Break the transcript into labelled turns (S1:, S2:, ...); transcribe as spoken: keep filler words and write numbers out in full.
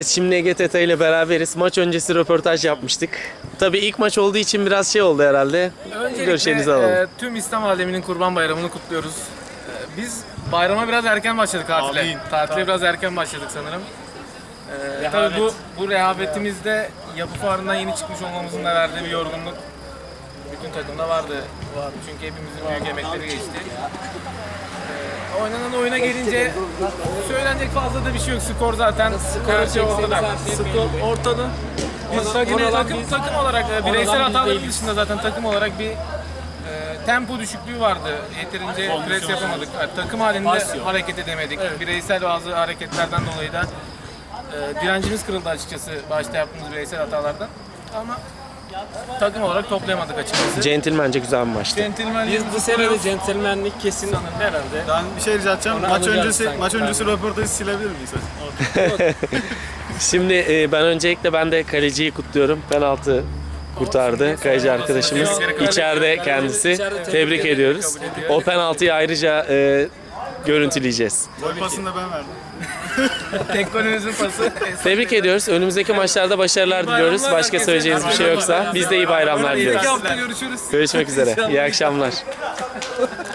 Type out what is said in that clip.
S1: Şimdi Ege Teta ile beraberiz. Maç öncesi röportaj yapmıştık. Tabii ilk maç olduğu için biraz şey oldu herhalde. Görüşlerinizi alalım.
S2: E, tüm İslam aleminin Kurban Bayramı'nı kutluyoruz. E, biz bayrama biraz erken başladık tatile.
S3: Amin.
S2: Tatile biraz erken başladık sanırım. E, tabii bu bu rehavetimizde yapı fuarından yeni çıkmış olmamızın da verdiği bir yorgunluk bütün takımda vardı. vardı. Çünkü hepimizin büyük emekleri geçti. E, oynanan oyuna gelince söylenecek fazla da bir şey yok. Skor zaten her şey ortada. Skor ortada. Biz takım, takım, takım olarak bireysel hataların dışında zaten takım olarak bir e, tempo düşüklüğü vardı. Yeterince pres yapamadık. Yani takım halinde hareket edemedik. Evet. Bireysel bazı hareketlerden dolayı da e, direncimiz kırıldı açıkçası başta yaptığımız bireysel hatalardan. Ama takım olarak toplayamadık açıkçası.
S1: Centilmence güzel bir maçtı.
S2: Centilmenliği
S4: Biz bu sene de centilmenlik kesin herhalde.
S3: Ben bir şey rica edeceğim.
S4: Onu
S3: Maç
S4: alacağız
S3: öncesi
S4: sanki.
S3: maç öncesi röportajı silebilir miyiz?
S1: Şimdi e, ben öncelikle ben de kaleciyi kutluyorum. Penaltı kurtardı kaleci arkadaşımız. İçeride kendisi. Tebrik ediyoruz. O penaltıyı ayrıca e, görüntüleyeceğiz.
S3: Gol pasını da ben verdim.
S2: tek golümüzün pası.
S1: Tebrik ediyoruz. Önümüzdeki maçlarda başarılar diliyoruz. Başka söyleyeceğiniz bir şey yoksa biz de iyi bayramlar diliyoruz.
S2: İki hafta görüşürüz.
S1: Görüşmek üzere. İyi akşamlar.